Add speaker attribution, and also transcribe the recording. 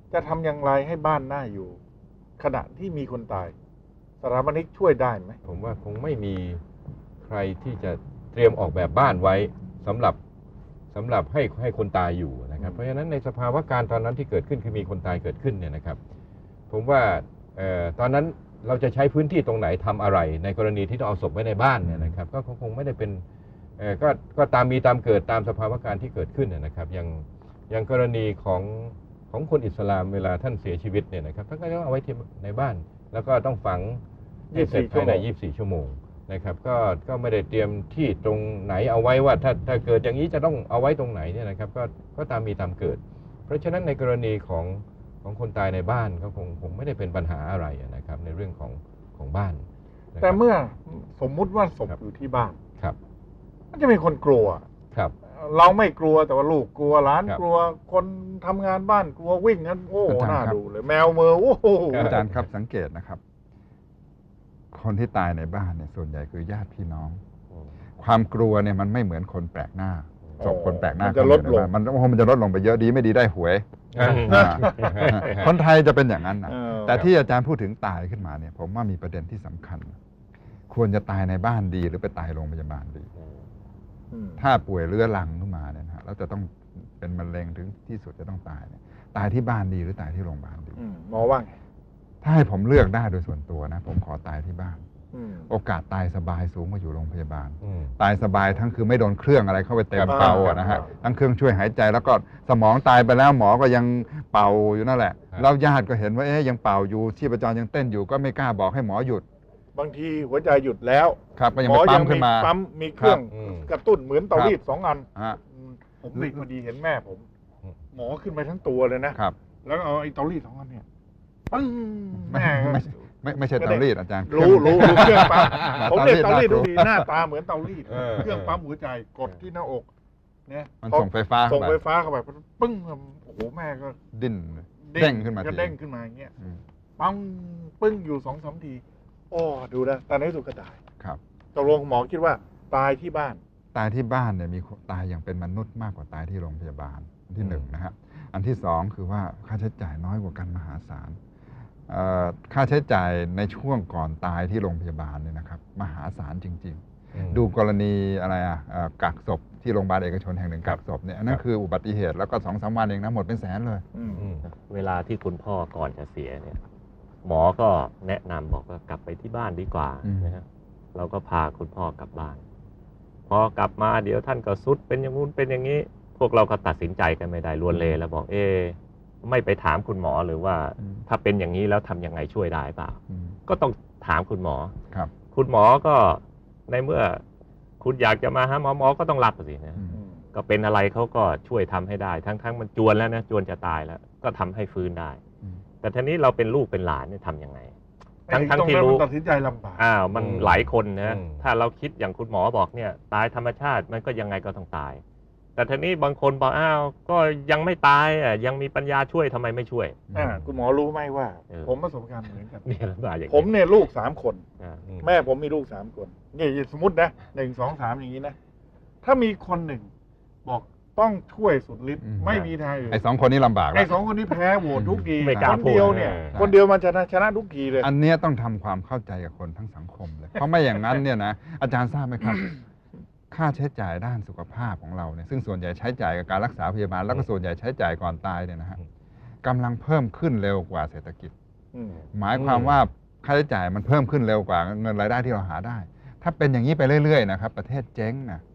Speaker 1: จะทำอย่างไรให้บ้านน่าอยู่ขณะที่มีคนตายสถาปนิกช่วยได้ไหม
Speaker 2: ผมว่าคงไม่มีใครที่จะเตรียมออกแบบบ้านไว้สำหรับให้คนตายอยู่นะครับเพราะฉะนั้นในสภาวะการตอนนั้นที่เกิดขึ้นคือมีคนตายเกิดขึ้นเนี่ยนะครับผมว่าตอนนั้นเราจะใช้พื้นที่ตรงไหนทำอะไรในกรณีที่ต้องเอาศพไว้ในบ้านเนี่ยนะครับก็คงไม่ได้เป็นก็ตามมีตามเกิดตามสภาวะการที่เกิดขึ้นนะครับอย่างกรณีของคนอิสลามเวลาท่านเสียชีวิตเนี่ยนะครับท่านก็ต้องเอาไว้ที่ในบ้านแล้วก็ต้องฝังให้เสร็จภายใน24 ชั่วโมงนะครับก็ไม่ได้เตรียมที่ตรงไหนเอาไว้ว่าถ้าเกิดอย่างนี้จะต้องเอาไว้ตรงไหนเนี่ยนะครับก็ตามมีตามเกิดเพราะฉะนั้นในกรณีของคนตายในบ้านก็คงไม่ได้เป็นปัญหาอะไรนะครับในเรื่องของบ้าน
Speaker 1: แต่เมื่อสมมุติว่าศพอยู่ที่บ้าน
Speaker 2: ครับ
Speaker 1: มันจะมีคนกลัวครับเราไม่กลัวแต่ว่าลูกกลัวหลานกลัวคนทำงานบ้านกลัววิ่งกันโอ้น่าดูเลยแมวเมอโอ้
Speaker 3: อาจารย์ครับสังเกตนะครับคนที่ตายในบ้านเนี่ยส่วนใหญ่คือญาติพี่น้องความกลัวเนี่ยมันไม่เหมือนคนแปลกหน้าศพคนแปลกหน้า
Speaker 1: จะลดลง
Speaker 3: มันจะลดลงไปเยอะดีไม่ดีได้หวยคนไทยจะเป็นอย่างนั้นนะแต่ที่อาจารย์พูดถึงตายขึ้นมาเนี่ยผมว่ามีประเด็นที่สำคัญควรจะตายในบ้านดีหรือไปตายโรงพยาบาลดีถ้าป่วยเรื้อรังขึ้นมาเนี่ยนะแล้วจะต้องเป็นมะเร็งถึงที่สุดจะต้องตายเนี่ยตายที่บ้านดีหรือตายที่โรงพยาบาลดี
Speaker 1: หมอว่าไง
Speaker 3: ถ้าให้ผมเลือกได้โดยส่วนตัวนะผมขอตายที่บ้านโอกาสตายสบายสูงกว่าอยู่โรงพยาบาลตายสบายทั้งคือไม่โดนเครื่องอะไรเข้าไปเต็มเป่านะฮะทั้งเครื่องช่วยหายใจแล้วก็สมองตายไปแล้วหมอก็ยังเป่าอยู่นั่นแหละแล้วญาติก็เห็นว่ายังเป่าอยู่ชีพจรยังเต้นอยู่ก็ไม่กล้าบอกให้หมอหยุด
Speaker 1: บางทีหัวใจหยุดแล้ว
Speaker 3: ครับก็ยังปั๊มขึ้นมา
Speaker 1: ปั๊มมีเครื่องกระตุ้นเหมือนเตารีด2 อันผมนี่พอดีเห็นแม่ผมหมอขึ้นไปทั้งตัวเลยนะครับแล้วเอาไอ้เตารีด2 อันเนี่ยปึ้งแม่
Speaker 3: ไม่ใช่เตารีดอาจารย์
Speaker 1: รู้เครื่องปั๊มผมเรียกเตารีดดูดีหน้าตาเหมือนเตารีดเครื่องปั๊มหัวใจกดที่หน้าอกเนี่ย
Speaker 3: มันส่งไฟฟ้า
Speaker 1: เข้าไปปึ้งโอ้โหแม่ก็
Speaker 3: ดิ้นเด้งขึ้นมา
Speaker 1: ก็เด้งขึ้นมาอย่างเงี้ยปังปึ้งอยู่2-3 ทีโอ้ดูนะตอนนี้สุดก็ตาย
Speaker 3: ครับ
Speaker 1: ตกลงหมอคิดว่าตายที่บ้าน
Speaker 3: เนี่ยมีตายอย่างเป็นมนุษย์มากกว่าตายที่โรงพยาบาลอันที่1นะฮะอันที่2คือว่าค่าใช้จ่ายน้อยกว่ากันมหาศาลค่าใช้จ่ายในช่วงก่อนตายที่โรงพยาบาลเนี่ยนะครับมหาศาลจริงๆดูกรณีอะไรกักศพที่โรงพยาบาลเอกชนแห่งหนึ่งกักศพเนี่ยนั่นคืออุบัติเหตุแล้วก็2-3 วันเองนะหมดเป็นแสนเลย
Speaker 4: เวลาที่คุณพ่อก่อนจะเสียเนี่ยหมอก็แนะนำบอกว่ากลับไปที่บ้านดีกว่านะฮะเราก็พาคุณพ่อกลับบ้านพอกลับมาเดี๋ยวท่านก็สุดเป็นอย่างนู้นเป็นอย่างนี้พวกเราก็ตัดสินใจกันไม่ได้ลวนเลแล้วบอกไม่ไปถามคุณหมอหรือว่าถ้าเป็นอย่างนี้แล้วทำยังไงช่วยได้เปล่าก็ต้องถามคุณหมอ
Speaker 3: ครับ
Speaker 4: คุณหมอก็ในเมื่อคุณอยากจะมาหาหมอก็ต้องรับสินะก็เป็นอะไรเขาก็ช่วยทำให้ได้ทั้งมันจวนแล้วนะจวนจะตายแล้วก็ทำให้ฟื้นได้แต่ทีนี้เราเป็นลูกเป็นหลานเนี่ยทำยังไงทั้งที่รู้
Speaker 1: ตัดสินใจลำบาก
Speaker 4: มันหลายคนนะถ้าเราคิดอย่างคุณหมอบอกเนี่ยตายธรรมชาติมันก็ยังไงก็ต้องตายแต่ทีนี้บางคนบอกก็ยังไม่ตายยังมีปัญญาช่วยทำไมไม่ช่วย
Speaker 1: คุณหมอรู้ไหมว่าผมประสบการณ์เหมือนกัน
Speaker 4: ผม
Speaker 1: เนี่ยลูก3 คนแม่ผมมีลูก3 คนนี่สมมตินะ1 2 3อย่างนี้นะถ้ามีคนหนึ่งบอกต้องช่วยสุดฤทธิ์ไม่มีทางอื่น
Speaker 3: ไอ้2 คนนี้ลำบาก
Speaker 1: ไอ้2 คนนี้แพ้โหวตทุกทีคนเดียวเนี่ยคนเดียวมันชนะทุกทีเลย
Speaker 3: อันนี้ต้องทำความเข้าใจกับคนทั้งสังคมเลยเพราะไม่อย่างนั้นเนี่ยนะอาจารย์ทราบไหมครับค่าใช้จ่ายด้านสุขภาพของเราเนี่ยซึ่งส่วนใหญ่ใช้จ่ายกับการรักษาพยาบาลแล้วก็ส่วนใหญ่ใช้จ่ายก่อนตายเนี่ยนะฮะกำลังเพิ่มขึ้นเร็วกว่าเศรษฐกิจหมายความว่าค่าใช้จ่ายมันเพิ่มขึ้นเร็วกว่าเงินรายได้ที่เราหาได้ถ้าเป็นอย่างนี้ไปเรื่อยๆนะครับประเทศเจ๊งนะ